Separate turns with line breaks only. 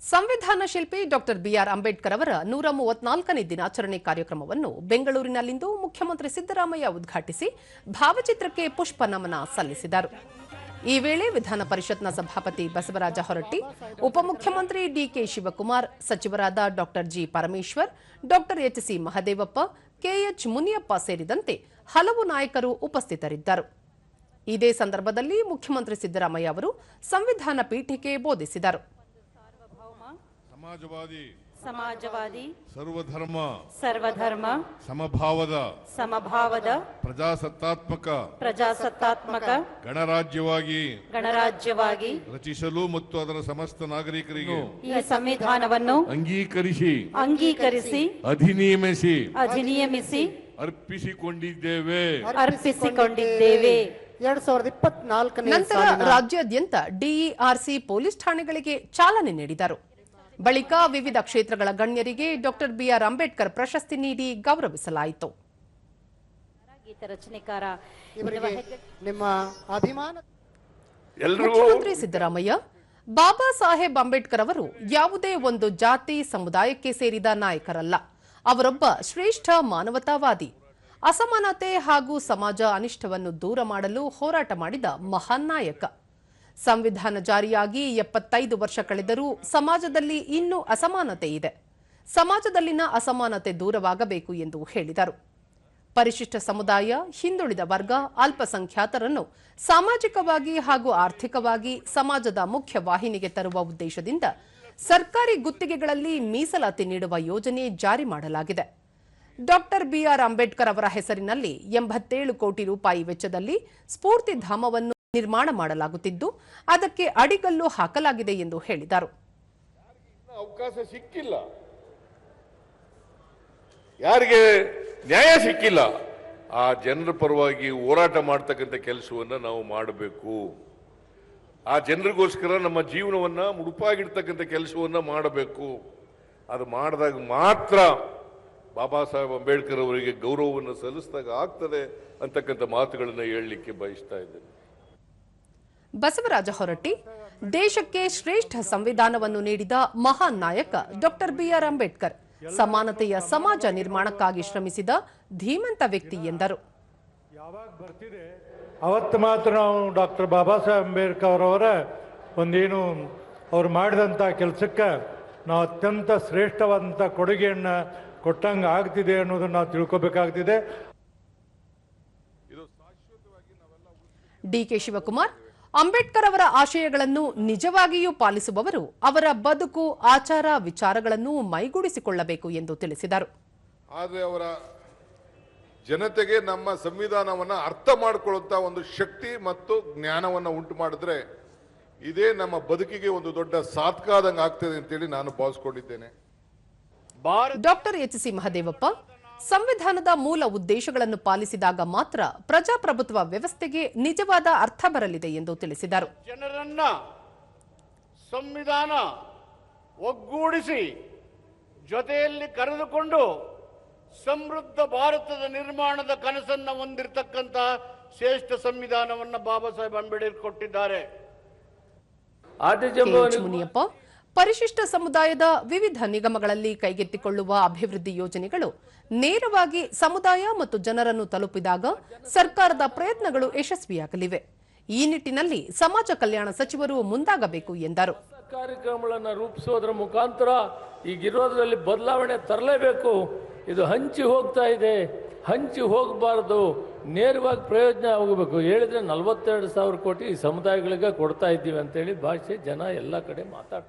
ಸಂವಿಧಾನ ಶಿಲ್ಪಿ doctor B R Ambedkar ಅವರ 134ನೇ ದಿನಾಚರಣೆ ಕಾರ್ಯಕ್ರಮವನ್ನು ಬೆಂಗಳೂರಿನಲ್ಲಿಂದು ಮುಖ್ಯಮಂತ್ರಿ ಸಿದ್ದರಾಮಯ್ಯ ಉದ್ಘಾಟಿಸಿ ಭಾವಚಿತ್ರಕ್ಕೆ ಪುಷ್ಪ ನಮನ ಸಲ್ಲಿಸಿದರು. ಈ ವೇಳೆ ವಿಧಾನ ಪರಿಷತ್ನ ಸಭಾಪತಿ ಬಸವರಾಜ ಹೊರಟ್ಟಿ, ಉಪಮುಖ್ಯಮಂತ್ರಿ ಡಿಕೆ ಶಿವಕುಮಾರ್, ಸಚಿವರಾದ ಡಾಕ್ಟರ್ ಜಿ ಪರಮೇಶ್ವರ್, ಡಾಕ್ಟರ್ ಎಚ್.ಸಿ. ಮಹದೇವಪ್ಪ, ಕೆಎಚ್ ಮುನಿಯಪ್ಪ ಸೇರಿದಂತೆ ಹಲವು ನಾಯಕರು ಉಪಸ್ಥಿತರಿದ್ದರು. ಇದೇ ಸಂದರ್ಭದಲ್ಲಿ ಮುಖ್ಯಮಂತ್ರಿ ಸಿದ್ದರಾಮಯ್ಯ ಅವರು ಸಂವಿಧಾನ ಪೀಠಿಕೆ ಬೋಧಿಸಿದರು.
ಸಮಾಜವಾದಿ
ಸರ್ವಧರ್ಮ ಸಮಭಾವದ ಪ್ರಜಾಸತ್ತಾತ್ಮಕ ಗಣರಾಜ್ಯವಾಗಿ ರಚಿಸಲು ಮತ್ತು ಅದರ ಸಮಸ್ತ ನಾಗರಿಕರಿಗೆ
ಈ ಸಂವಿಧಾನವನ್ನು
ಅಂಗೀಕರಿಸಿ
ಅಧಿನಿಯಮಿಸಿ
ಅರ್ಪಿಸಿಕೊಂಡಿದ್ದೇವೆ.
2024
ನಂತರ ರಾಜ್ಯಾದ್ಯಂತ ಡಿಇಆರ್ಸಿ ಪೊಲೀಸ್ ಠಾಣೆಗಳಿಗೆ ಚಾಲನೆ ನೀಡಿದರು. ಬಳಿಕ ವಿವಿಧ ಕ್ಷೇತ್ರಗಳ ಗಣ್ಯರಿಗೆ ಡಾಕ್ಟರ್ ಬಿಆರ್ ಅಂಬೇಡ್ಕರ್ ಪ್ರಶಸ್ತಿ ನೀಡಿ ಗೌರವಿಸಲಾಯಿತು. ಮುಖ್ಯಮಂತ್ರಿ ಸಿದ್ದರಾಮಯ್ಯ, ಬಾಬಾ ಸಾಹೇಬ್ ಅಂಬೇಡ್ಕರ್ ಅವರು ಯಾವುದೇ ಒಂದು ಜಾತಿ ಸಮುದಾಯಕ್ಕೆ ಸೇರಿದ ನಾಯಕರಲ್ಲ. ಅವರೊಬ್ಬ ಶ್ರೇಷ್ಠ ಮಾನವತಾವಾದಿ. ಅಸಮಾನತೆ ಹಾಗೂ ಸಮಾಜ ಅನಿಷ್ಟವನ್ನು ದೂರ ಮಾಡಲು ಹೋರಾಟ ಮಾಡಿದ ಮಹಾನ್ ನಾಯಕ. ಸಂವಿಧಾನ ಜಾರಿಯಾಗಿ 75 ವರ್ಷ ಕಳೆದರೂ ಸಮಾಜದಲ್ಲಿ ಇನ್ನೂ ಅಸಮಾನತೆ ಇದೆ. ಸಮಾಜದಲ್ಲಿನ ಅಸಮಾನತೆ ದೂರವಾಗಬೇಕು ಎಂದು ಹೇಳಿದರು. ಪರಿಶಿಷ್ಟ ಸಮುದಾಯ, ಹಿಂದುಳಿದ ವರ್ಗ, ಅಲ್ಪಸಂಖ್ಯಾತರನ್ನು ಸಾಮಾಜಿಕವಾಗಿ ಹಾಗೂ ಆರ್ಥಿಕವಾಗಿ ಸಮಾಜದ ಮುಖ್ಯ ವಾಹಿನಿಗೆ ತರುವ ಉದ್ದೇಶದಿಂದ ಸರ್ಕಾರಿ ಗುತ್ತಿಗೆಗಳಲ್ಲಿ ಮೀಸಲಾತಿ ನೀಡುವ ಯೋಜನೆ ಜಾರಿ ಮಾಡಲಾಗಿದೆ. ಡಾಕ್ಟರ್ ಬಿಆರ್ ಅಂಬೇಡ್ಕರ್ ಅವರ ಹೆಸರಿನಲ್ಲಿ 87 ಕೋಟಿ ರೂಪಾಯಿ ವೆಚ್ಚದಲ್ಲಿ ಸ್ಫೂರ್ತಿಧಾಮವನ್ನು ನಿರ್ಮಾಣ ಮಾಡಲಾಗುತ್ತಿದ್ದು, ಅದಕ್ಕೆ ಅಡಿಗಲ್ಲು ಹಾಕಲಾಗಿದೆ ಎಂದು ಹೇಳಿದರು.
ಅವಕಾಶ ಸಿಕ್ಕಿಲ್ಲ, ಯಾರಿಗೆ ನ್ಯಾಯ ಸಿಕ್ಕಿಲ್ಲ, ಆ ಜನರ ಪರವಾಗಿ ಹೋರಾಟ ಮಾಡ್ತಕ್ಕಂಥ ಕೆಲಸವನ್ನ ನಾವು ಮಾಡಬೇಕು. ಆ ಜನರಿಗೋಸ್ಕರ ನಮ್ಮ ಜೀವನವನ್ನ ಮುಡುಪಾಗಿಡ್ತಕ್ಕಂಥ ಕೆಲಸವನ್ನ ಮಾಡಬೇಕು. ಅದು ಮಾಡಿದಾಗ ಮಾತ್ರ ಬಾಬಾ ಸಾಹೇಬ್ ಅಂಬೇಡ್ಕರ್ ಅವರಿಗೆ ಗೌರವವನ್ನು ಸಲ್ಲಿಸಿದಾಗ ಆಗ್ತದೆ ಅಂತಕ್ಕಂಥ ಮಾತುಗಳನ್ನು ಹೇಳಲಿಕ್ಕೆ ಬಯಸ್ತಾ ಇದ್ದೇನೆ.
ಬಸವರಾಜ ಹೊರಟ್ಟಿ, ದೇಶಕ್ಕೆ ಶ್ರೇಷ್ಠ ಸಂವಿಧಾನವನ್ನು ನೀಡಿದ ಮಹಾನ್ ನಾಯಕ ಡಾಕ್ಟರ್ ಬಿಆರ್ ಅಂಬೇಡ್ಕರ್ ಸಮಾನತೆಯ ಸಮಾಜ ನಿರ್ಮಾಣಕ್ಕಾಗಿ ಶ್ರಮಿಸಿದ ಧೀಮಂತ ವ್ಯಕ್ತಿ ಎಂದರು.
ಯಾವಾಗ ಬರ್ತಿದೆ ಅವತ್ತು ಮಾತ್ರ ನಾವು ಡಾಕ್ಟರ್ ಬಾಬಾ ಸಾಹೇಬ್ ಅಂಬೇಡ್ಕರ್ ಅವರ ಒಂದೇನು ಅವ್ರು ಮಾಡಿದಂಥ ಕೆಲಸಕ್ಕೆ ನಾವು ಅತ್ಯಂತ ಶ್ರೇಷ್ಠವಾದಂಥ ಕೊಡುಗೆಯನ್ನು ಕೊಟ್ಟಂಗೆ ಆಗ್ತಿದೆ ಅನ್ನೋದನ್ನು ನಾವು ತಿಳ್ಕೋಬೇಕಾಗ್ತಿದೆ.
ಡಿಕೆ ಶಿವಕುಮಾರ್, ಅಂಬೇಡ್ಕರ್ ಅವರ ಆಶಯಗಳನ್ನು ನಿಜವಾಗಿಯೂ ಪಾಲಿಸುವವರು ಅವರ ಬದುಕು, ಆಚಾರ, ವಿಚಾರಗಳನ್ನು ಮೈಗೂಡಿಸಿಕೊಳ್ಳಬೇಕು ಎಂದು ತಿಳಿಸಿದರು.
ಆದರೆ ಅವರ ಜನತೆಗೆ ನಮ್ಮ ಸಂವಿಧಾನವನ್ನ ಅರ್ಥ ಮಾಡಿಕೊಳ್ಳುವಂತ ಒಂದು ಶಕ್ತಿ ಮತ್ತು ಜ್ಞಾನವನ್ನ ಉಂಟು ಮಾಡಿದ್ರೆ ಇದೇ ನಮ್ಮ ಬದುಕಿಗೆ ಒಂದು ದೊಡ್ಡ ಸಾಧಕ ಆಗ್ತದೆ ಅಂತೇಳಿ ನಾನು ಭಾವಿಸಿಕೊಂಡಿದ್ದೇನೆ.
ಡಾಕ್ಟರ್ ಎಚ್.ಸಿ. ಮಹದೇವಪ್ಪ, ಸಂವಿಧಾನದ ಮೂಲ ಉದ್ದೇಶಗಳನ್ನು ಪಾಲಿಸಿದಾಗ ಮಾತ್ರ ಪ್ರಜಾಪ್ರಭುತ್ವ ವ್ಯವಸ್ಥೆಗೆ ನಿಜವಾದ ಅರ್ಥ ಬರಲಿದೆ ಎಂದು ತಿಳಿಸಿದರು.
ಜನರನ್ನ ಸಂವಿಧಾನ ಒಗ್ಗೂಡಿಸಿ ಜೊತೆಯಲ್ಲಿ ಕರೆದುಕೊಂಡು ಸಮೃದ್ಧ ಭಾರತದ ನಿರ್ಮಾಣದ ಕನಸನ್ನು ಹೊಂದಿರತಕ್ಕಂತ ಶ್ರೇಷ್ಠ ಸಂವಿಧಾನವನ್ನು ಬಾಬಾ ಸಾಹೇಬ್ ಅಂಬೇಡ್ಕರ್ ಕೊಟ್ಟಿದ್ದಾರೆ.
ಮುನಿಯಪ್ಪ, ಪರಿಶಿಷ್ಟ ಸಮುದಾಯದ ವಿವಿಧ ನಿಗಮಗಳಲ್ಲಿ ಕೈಗೆತ್ತಿಕೊಳ್ಳುವ ಅಭಿವೃದ್ಧಿ ಯೋಜನೆಗಳು ನೇರವಾಗಿ ಸಮುದಾಯ ಮತ್ತು ಜನರನ್ನು ತಲುಪಿದಾಗ ಸರ್ಕಾರದ ಪ್ರಯತ್ನಗಳು ಯಶಸ್ವಿಯಾಗಲಿವೆ. ಈ ನಿಟ್ಟಿನಲ್ಲಿ ಸಮಾಜ ಕಲ್ಯಾಣ ಸಚಿವರು ಮುಂದಾಗಬೇಕು ಎಂದರು.
ಕಾರ್ಯಕ್ರಮಗಳನ್ನು ರೂಪಿಸೋದ್ರ ಮುಖಾಂತರ ಈಗಿರೋದ್ರಲ್ಲಿ ಬದಲಾವಣೆ ತರಲೇಬೇಕು. ಇದು ಹಂಚಿ ಹೋಗ್ತಾ ಇದೆ, ಹಂಚಿ ಹೋಗಬಾರದು, ನೇರವಾಗಿ ಪ್ರಯೋಜನ ಹೋಗಬೇಕು. ಹೇಳಿದ್ರೆ 42,000 ಕೋಟಿ ಸಮುದಾಯಗಳಿಗೆ ಕೊಡ್ತಾ ಇದ್ದೀವಿ ಅಂತೇಳಿ ಭಾಷೆ ಜನ ಎಲ್ಲ ಕಡೆ ಮಾತಾಡ್ತಾರೆ.